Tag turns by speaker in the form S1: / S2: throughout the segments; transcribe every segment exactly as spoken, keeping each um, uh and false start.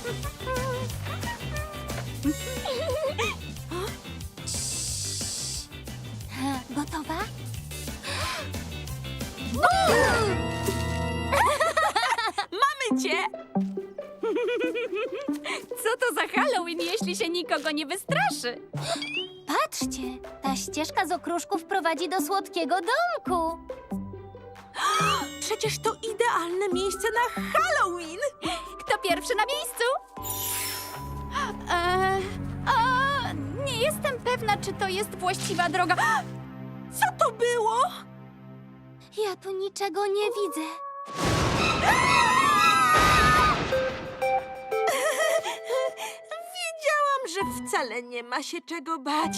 S1: Gotowa?
S2: Mamy cię! Co to za Halloween, jeśli się nikogo nie wystraszy?
S1: Patrzcie, ta ścieżka z okruszków prowadzi do słodkiego domku.
S3: Przecież to idealne miejsce na Halloween!
S2: Kto pierwszy na miejscu? Eee, a, nie jestem pewna, czy to jest właściwa droga.
S3: Co to było?
S1: Ja tu niczego nie widzę.
S3: Wiedziałam, że wcale nie ma się czego bać.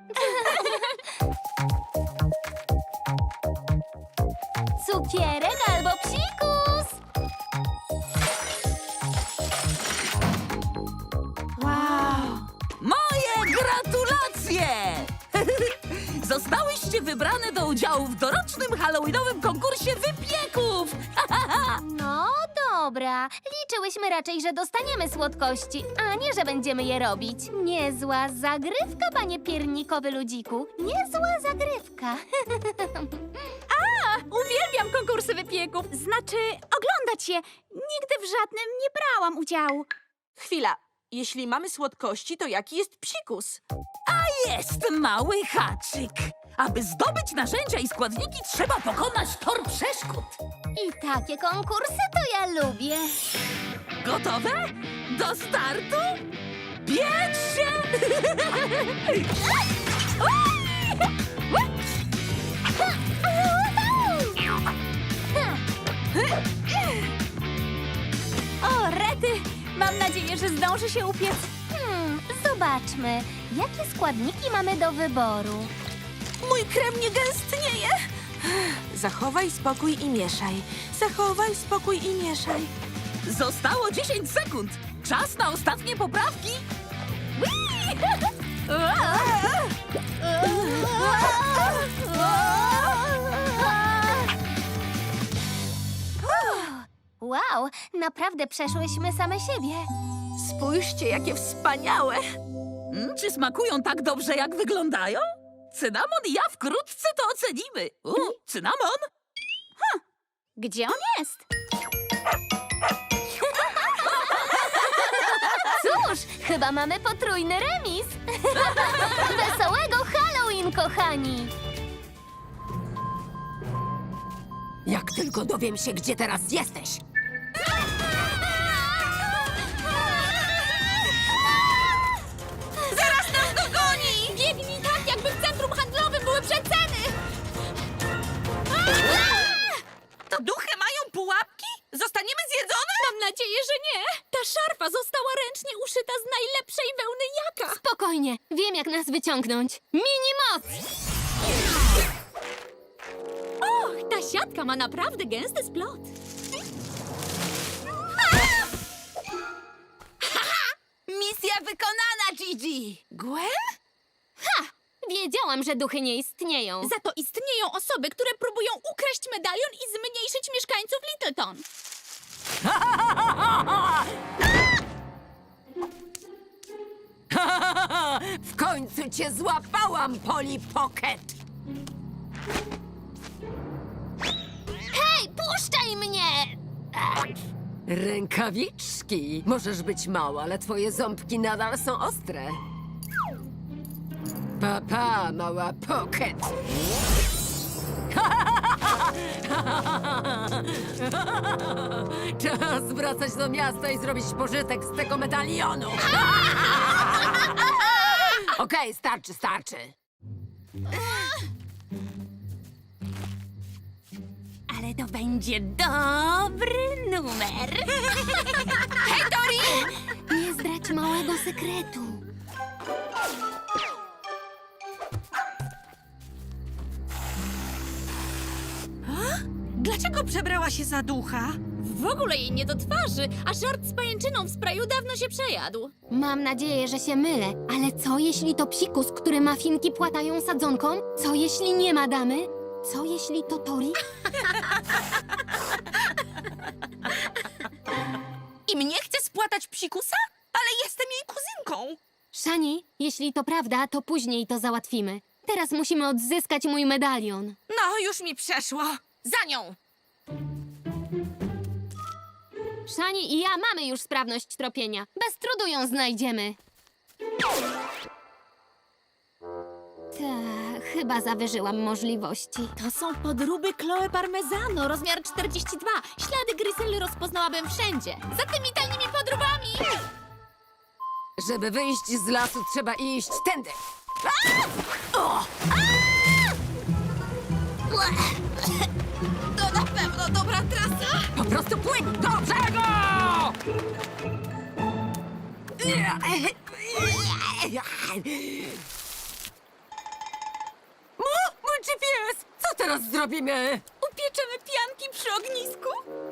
S1: Cukierek albo psikus!
S3: Wow!
S4: Moje gratulacje! Zostałyście wybrane do udziału w dorocznym halloweenowym konkursie wypieków!
S1: No dobra, liczyłyśmy raczej, że dostaniemy słodkości, a nie, że będziemy je robić. Niezła zagrywka, panie piernikowy ludziku. Niezła zagrywka.
S2: Uwielbiam konkursy wypieków. Znaczy, oglądać je. Nigdy w żadnym nie brałam udziału.
S3: Chwila. Jeśli mamy słodkości, to jaki jest psikus?
S4: Jest mały haczyk! Aby zdobyć narzędzia i składniki, trzeba pokonać tor przeszkód.
S1: I takie konkursy to ja lubię.
S4: Gotowe? Do startu? Biec się!
S2: O, rety! Mam nadzieję, że zdąży się upiec.
S1: Hmm, zobaczmy, jakie składniki mamy do wyboru.
S3: Mój krem nie gęstnieje. Zachowaj spokój i mieszaj. Zachowaj spokój i mieszaj.
S4: Zostało dziesięć sekund. Czas na ostatnie poprawki.
S1: Wow, naprawdę przeszłyśmy same siebie.
S3: Spójrzcie, jakie wspaniałe.
S4: Mm, czy smakują tak dobrze, jak wyglądają? Cynamon i ja wkrótce to ocenimy. U, cynamon?
S2: Gdzie on jest?
S1: Cóż, chyba mamy potrójny remis. Wesołego Halloween, kochani!
S5: Jak tylko dowiem się, gdzie teraz jesteś.
S2: Zaraz nas dogoni! Biegnij tak, jakby w centrum handlowym były przeceny!
S3: To duchy mają pułapki? Zostaniemy zjedzone?
S2: Mam nadzieję, że nie! Ta szarfa została ręcznie uszyta z najlepszej wełny jaka!
S1: Spokojnie, wiem jak nas wyciągnąć. Mini moc!
S2: Och, ta siatka ma naprawdę gęsty splot.
S5: Misja wykonana, Gigi!
S3: Gwen?
S1: Wiedziałam, że duchy nie istnieją.
S2: Za to istnieją osoby, które próbują ukraść medalion i zmniejszyć mieszkańców Littleton.
S5: W końcu cię złapałam, Polly Pocket!
S1: Hej, puszczaj mnie!
S5: Rękawiczki! Możesz być mała, ale twoje ząbki nadal są ostre. Papa, mała Pocket! Czas wracać do miasta i zrobić pożytek z tego medalionu! Okej, starczy, starczy.
S2: Ale to będzie dobry numer.
S1: Hej, Tori! Nie zdradź małego sekretu.
S3: Dlaczego przebrała się za ducha?
S2: W ogóle jej nie do twarzy, a żart z pajęczyną w sprayu dawno się przejadł.
S1: Mam nadzieję, że się mylę, ale co jeśli to psikus, który mafinki płatają sadzonką? Co jeśli nie ma damy? Co jeśli to Tori?
S2: I mnie chce
S3: spłatać psikusa? Ale jestem jej kuzynką.
S1: Szani, jeśli to prawda, to później to załatwimy. Teraz musimy odzyskać mój medalion.
S3: No, już mi przeszło. Za nią!
S1: Szani i ja mamy już sprawność tropienia. Bez trudu ją znajdziemy. Ta, chyba zawyżyłam możliwości.
S2: To są podróby Chloe Parmezano, rozmiar czterdzieści dwa. Ślady Gryzely rozpoznałabym wszędzie. Za tymi tajnymi podróbami!
S5: Żeby wyjść z lasu, trzeba iść tędy.
S3: To na pewno dobra trasa.
S5: Po prostu płyń do brzegu! Mo, mój G P S! Co teraz zrobimy?
S2: Upieczemy pianki przy ognisku?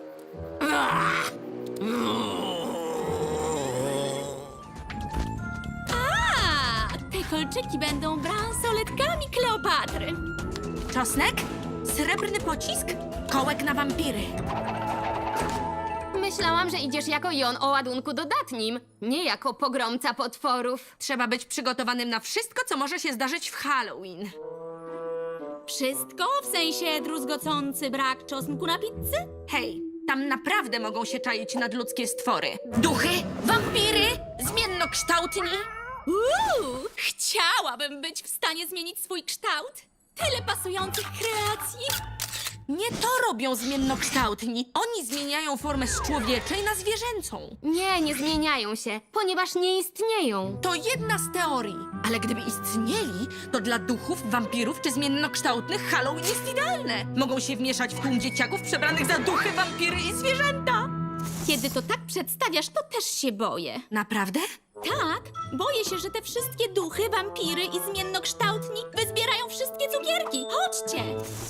S2: A, te kolczyki będą bransoletkami Kleopatry.
S3: Czosnek? Srebrny pocisk? Kołek na wampiry.
S1: Myślałam, że idziesz jako Jon o ładunku dodatnim, nie jako pogromca potworów.
S3: Trzeba być przygotowanym na wszystko, co może się zdarzyć w Halloween.
S2: Wszystko? W sensie druzgocący brak czosnku na pizzy?
S3: Hej, tam naprawdę mogą się czaić nadludzkie stwory. Duchy, wampiry, zmiennokształtni.
S2: Uuu, chciałabym być w stanie zmienić swój kształt. Tyle pasujących kreacji.
S3: Nie to robią zmiennokształtni. Oni zmieniają formę z człowieczej na zwierzęcą.
S1: Nie, nie zmieniają się, ponieważ nie istnieją.
S3: To jedna z teorii. Ale gdyby istnieli, to dla duchów, wampirów czy zmiennokształtnych Halloween jest idealne. Mogą się wmieszać w tłum dzieciaków przebranych za duchy, wampiry i zwierzęta.
S2: Kiedy to tak przedstawiasz, to też się boję.
S3: Naprawdę?
S2: Tak, boję się, że te wszystkie duchy, wampiry i zmiennokształtni wyzbierają wszystkie cukierki. Chodźcie!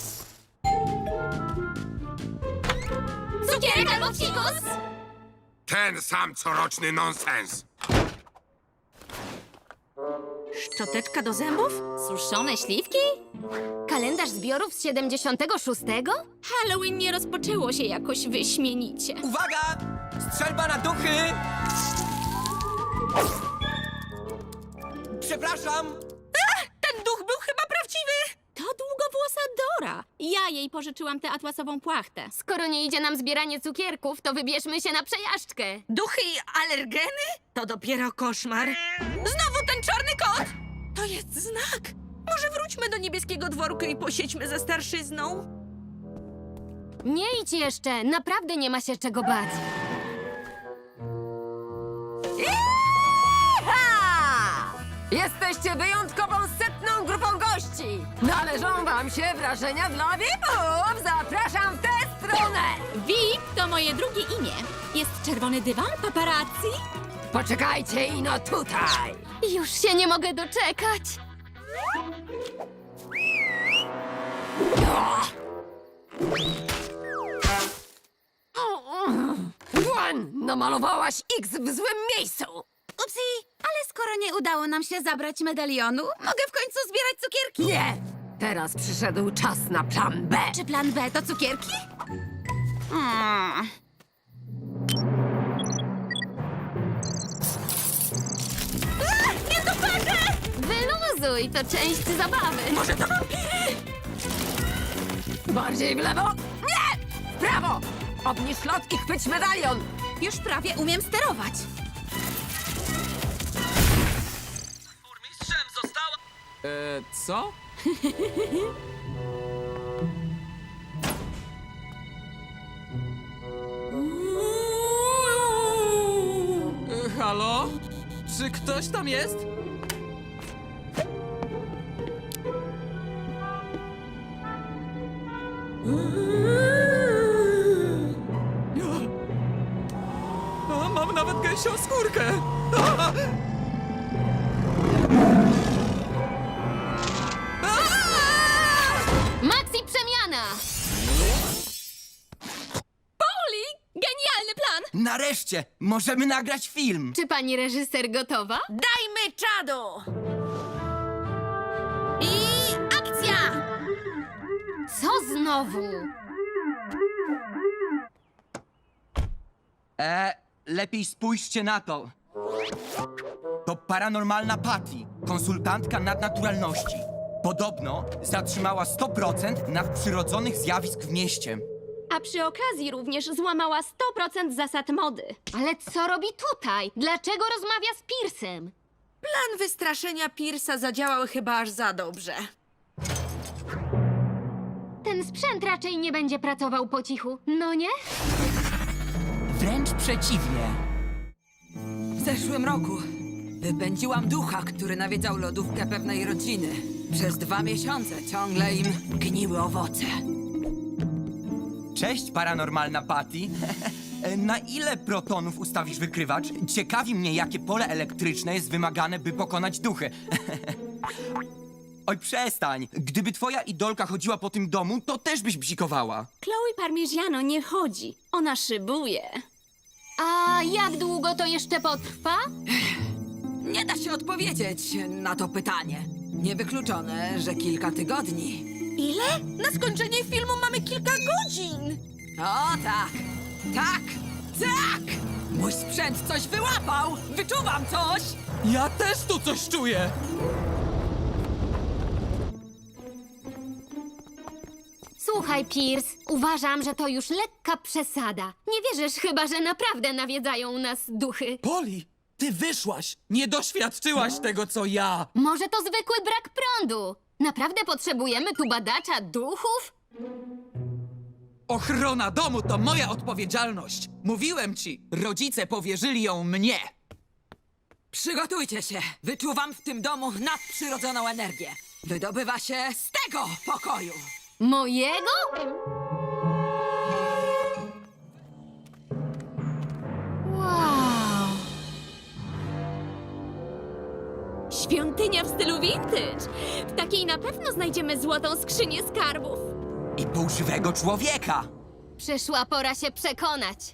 S2: Cukierek albo fikus?
S6: Ten sam coroczny nonsens.
S3: Szczoteczka do zębów?
S2: Suszone śliwki?
S1: Kalendarz zbiorów z siedemdziesiątego szóstego?
S2: Halloween nie rozpoczęło się jakoś wyśmienicie.
S7: Uwaga! Strzelba na duchy! Przepraszam!
S3: Ten duch był chyba prawdziwy!
S2: To długowłosa Dora. Ja jej pożyczyłam tę atłasową płachtę.
S1: Skoro nie idzie nam zbieranie cukierków, to wybierzmy się na przejażdżkę.
S3: Duchy i alergeny? To dopiero koszmar. Znowu ten czarny kot! To jest znak. Może wróćmy do niebieskiego dworku i posiedźmy ze starszyzną?
S1: Nie idź jeszcze, naprawdę nie ma się czego bać.
S5: Iha! Jesteście wyjątkową setną grupą gości! Należą wam się wrażenia dla V I P-ów! Zapraszam w tę stronę!
S2: V I P to moje drugie imię. Jest czerwony dywan paparazzi?
S5: Poczekajcie ino tutaj!
S1: Już się nie mogę doczekać.
S5: Gwen, namalowałaś X w złym miejscu!
S2: Upsi, ale skoro nie udało nam się zabrać medalionu, mogę w końcu zbierać cukierki?
S5: Nie! Teraz przyszedł czas na plan B.
S2: Czy plan B to cukierki? Hmm.
S1: Wyluzuj, to część zabawy.
S3: Może to wampiry?
S5: Bardziej w lewo? Nie! W prawo! Obniż lot i chwyć medalion!
S2: Już prawie umiem sterować.
S7: Burmistrzem została... Eee, co? E, halo? Czy ktoś tam jest? A, mam nawet gęsią skórkę! A!
S1: Maxi przemiana!
S2: Poli, genialny plan!
S7: Nareszcie! Możemy nagrać film!
S1: Czy pani reżyser gotowa?
S3: Dajmy czadu!
S2: I akcja!
S1: Co znowu?
S7: E,
S8: lepiej spójrzcie na to. To paranormalna Patty, konsultantka nadnaturalności. Podobno zatrzymała sto procent nadprzyrodzonych zjawisk w mieście.
S9: A przy okazji również złamała sto procent zasad mody.
S1: Ale co robi tutaj? Dlaczego rozmawia z Piersem?
S3: Plan wystraszenia Piersa zadziałał chyba aż za dobrze.
S1: Ten sprzęt raczej nie będzie pracował po cichu, no nie?
S8: Wręcz przeciwnie.
S5: W zeszłym roku wypędziłam ducha, który nawiedzał lodówkę pewnej rodziny. Przez dwa miesiące ciągle im gniły owoce.
S8: Cześć, paranormalna Patty. Na ile protonów ustawisz wykrywacz? Ciekawi mnie, jakie pole elektryczne jest wymagane, by pokonać duchy. Oj, przestań. Gdyby twoja idolka chodziła po tym domu, to też byś bzikowała.
S9: Chloe Parmigiano nie chodzi. Ona szybuje.
S1: A jak długo to jeszcze potrwa?
S5: Nie da się odpowiedzieć na to pytanie. Niewykluczone, że kilka tygodni.
S3: Ile? Na skończenie filmu mamy kilka godzin.
S5: O tak, tak, tak! Mój sprzęt coś wyłapał! Wyczuwam coś!
S7: Ja też tu coś czuję!
S1: Słuchaj, Pierce, uważam, że to już lekka przesada. Nie wierzysz chyba, że naprawdę nawiedzają nas duchy.
S7: Poli, ty wyszłaś! Nie doświadczyłaś tego, co ja!
S1: Może to zwykły brak prądu? Naprawdę potrzebujemy tu badacza duchów?
S7: Ochrona domu to moja odpowiedzialność! Mówiłem ci, rodzice powierzyli ją mnie!
S5: Przygotujcie się! Wyczuwam w tym domu nadprzyrodzoną energię. Wydobywa się z tego pokoju!
S1: Mojego? Wow!
S9: Świątynia w stylu vintage. W takiej na pewno znajdziemy złotą skrzynię skarbów.
S8: I półżywego człowieka.
S1: Przyszła pora się przekonać.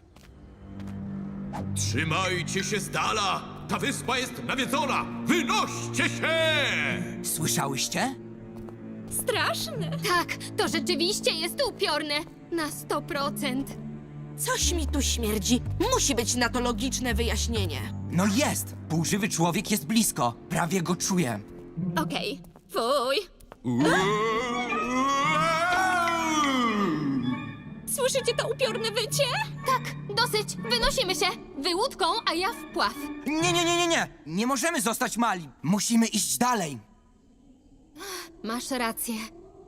S10: Trzymajcie się z dala! Ta wyspa jest nawiedzona! Wynoście się!
S8: Słyszałyście?
S9: Straszne.
S1: Tak, to rzeczywiście jest upiorne. Na sto procent.
S3: Coś mi tu śmierdzi. Musi być na to logiczne wyjaśnienie.
S8: No jest! Półżywy człowiek jest blisko. Prawie go czuję.
S9: Okej. Fuj. Słyszycie to upiorne wycie?
S1: Tak, dosyć. Wynosimy się. Wy łódką, a ja wpław.
S8: Nie, nie, nie, nie, nie! Nie możemy zostać mali. Musimy iść dalej.
S1: Masz rację.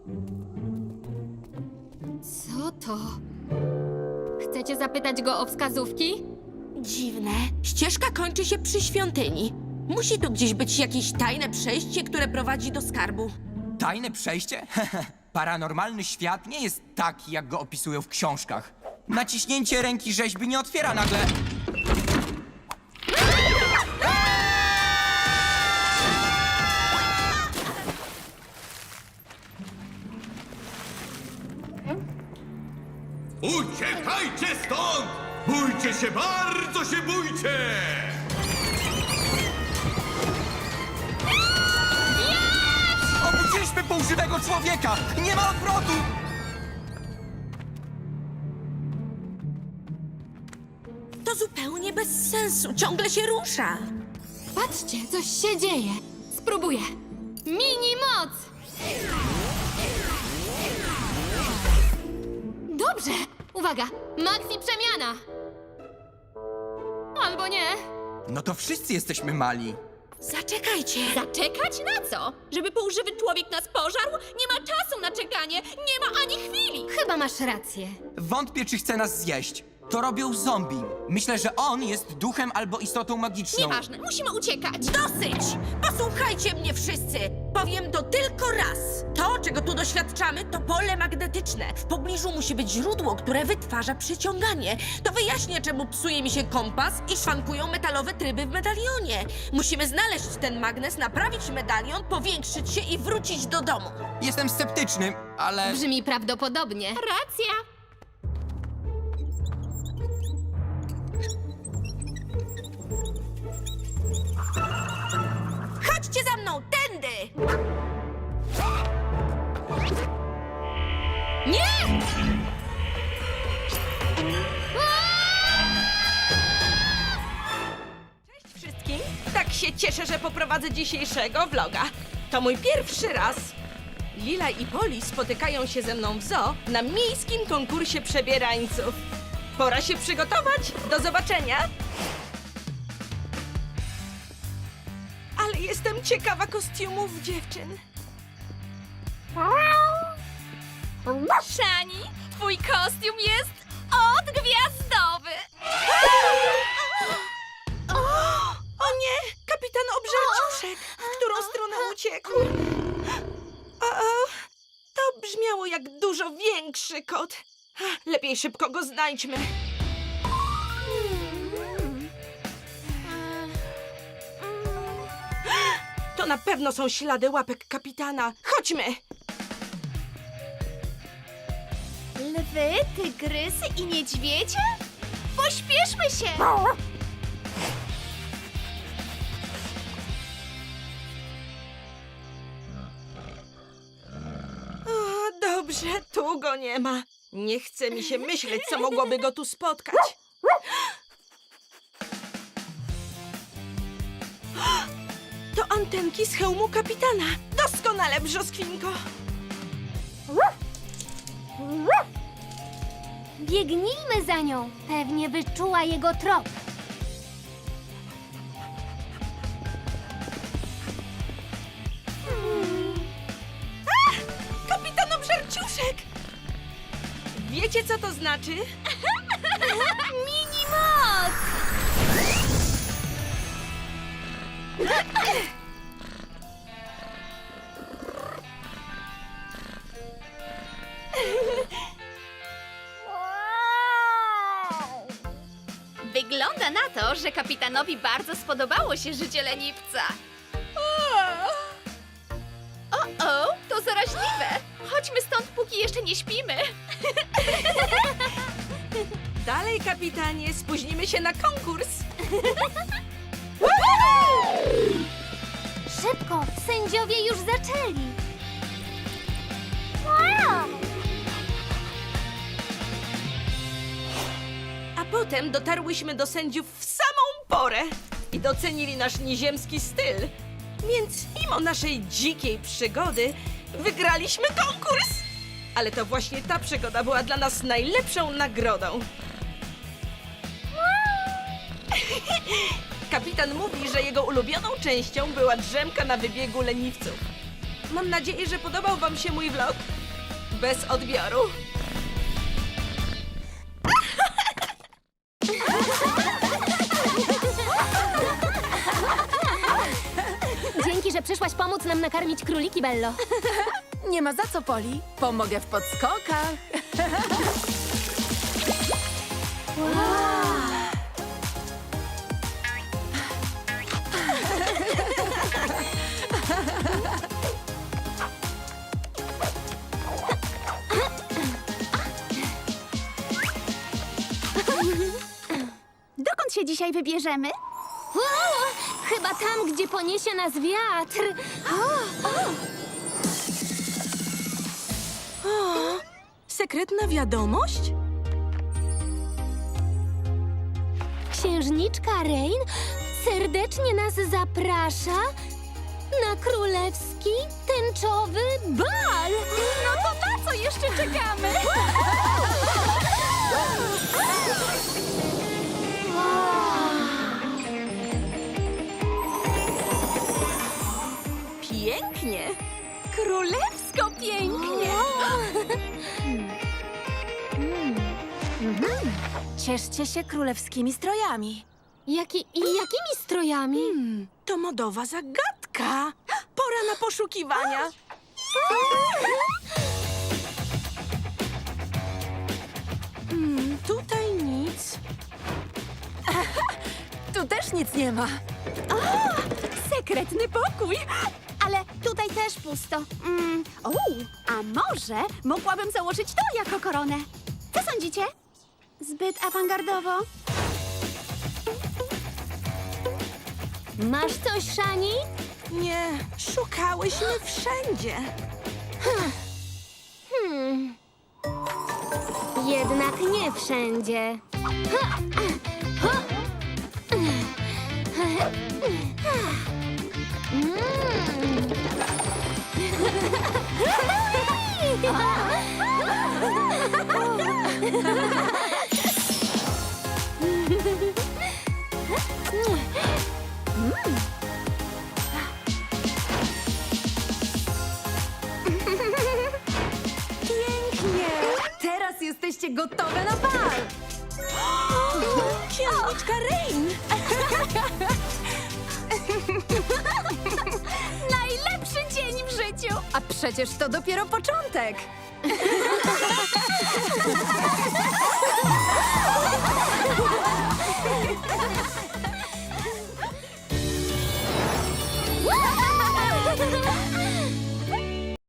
S1: Co to? Chcecie zapytać go o wskazówki?
S3: Dziwne. Ścieżka kończy się przy świątyni. Musi tu gdzieś być jakieś tajne przejście, które prowadzi do skarbu.
S8: Tajne przejście? Paranormalny świat nie jest taki, jak go opisują w książkach. Naciśnięcie ręki rzeźby nie otwiera nagle...
S10: Uciekajcie stąd! Bójcie się, bardzo się bójcie!
S8: Obudziliśmy półżywego człowieka! Nie ma odwrotu!
S3: To zupełnie bez sensu. Ciągle się rusza.
S1: Patrzcie, coś się dzieje. Spróbuję. Mini moc! Dobrze! Uwaga! Maxi przemiana! Albo nie.
S8: No to wszyscy jesteśmy mali.
S3: Zaczekajcie.
S9: Zaczekać na co? Żeby półżywy człowiek nas pożarł? Nie ma czasu na czekanie. Nie ma ani chwili.
S1: Chyba masz rację.
S8: Wątpię, czy chce nas zjeść. To robią zombie. Myślę, że on jest duchem albo istotą magiczną.
S9: Nieważne, musimy uciekać.
S3: Dosyć! Posłuchajcie mnie wszyscy! Powiem to tylko raz. To, czego tu doświadczamy, to pole magnetyczne. W pobliżu musi być źródło, które wytwarza przyciąganie. To wyjaśnia, czemu psuje mi się kompas i szwankują metalowe tryby w medalionie. Musimy znaleźć ten magnes, naprawić medalion, powiększyć się i wrócić do domu.
S8: Jestem sceptyczny, ale...
S1: Brzmi prawdopodobnie.
S9: Racja.
S3: Chodźcie za mną, tędy!
S1: Nie!
S3: się cieszę, że poprowadzę dzisiejszego vloga. To mój pierwszy raz. Lila i Poli spotykają się ze mną w zoo na miejskim konkursie przebierańców. Pora się przygotować. Do zobaczenia. Ale jestem ciekawa kostiumów dziewczyn.
S9: Szani, twój kostium jest odgwiazdowy!
S3: O nie! Kapitan Obżerciuszek! W którą stronę uciekł? O, o, to brzmiało jak dużo większy kot. Lepiej szybko go znajdźmy. To na pewno są ślady łapek kapitana. Chodźmy!
S2: Lwy, tygrysy i niedźwiedzie? Pośpieszmy się!
S3: O, dobrze, tu go nie ma. Nie chce mi się myśleć, co mogłoby go tu spotkać. To antenki z hełmu kapitana. Doskonale, brzoskwinko.
S1: Biegnijmy za nią. Pewnie wyczuła jego trop.
S3: Kapitan Obżerciuszek! Wiecie, co to znaczy?
S1: Mini moc!
S2: Wygląda na to, że kapitanowi bardzo spodobało się życie leniwca. O-o, to zaraźliwe! Chodźmy stąd, póki jeszcze nie śpimy.
S3: Dalej, kapitanie, spóźnimy się na konkurs.
S1: Szybko, sędziowie już zaczęli.
S3: A potem dotarłyśmy do sędziów w samą porę i docenili nasz nieziemski styl. Więc mimo naszej dzikiej przygody wygraliśmy konkurs. Ale to właśnie ta przygoda była dla nas najlepszą nagrodą. Kapitan mówi, że jego ulubioną częścią była drzemka na wybiegu leniwców. Mam nadzieję, że podobał wam się mój vlog. Bez odbioru.
S1: Dzięki, że przyszłaś pomóc nam nakarmić króliki, Bello.
S4: Nie ma za co, Poli. Pomogę w podskokach.
S2: Dokąd się dzisiaj wybierzemy?
S1: O, chyba tam, gdzie poniesie nas wiatr.
S3: Sekretna wiadomość?
S1: Księżniczka Rain serdecznie nas zaprasza na królewski tęczowy bal.
S2: No to na co jeszcze czekamy?
S3: Pięknie.
S2: Królewsko pięknie!
S1: Cieszcie się królewskimi strojami. Jaki, I jakimi strojami?
S3: To modowa zagadka. Pora na poszukiwania. Hmm, tutaj nic.
S4: Tu też nic nie ma.
S2: Sekretny pokój! Ale tutaj też pusto. Mm, o, a może mogłabym założyć to jako koronę? Co sądzicie? Zbyt awangardowo?
S1: Masz coś, Szani?
S3: Nie, szukałyśmy wszędzie.
S1: Hmm. Jednak nie wszędzie. Ha! Ha! Ha!
S5: jesteście gotowe na bal!
S2: Księżniczka Rain! Najlepszy dzień w życiu!
S5: A przecież to dopiero początek!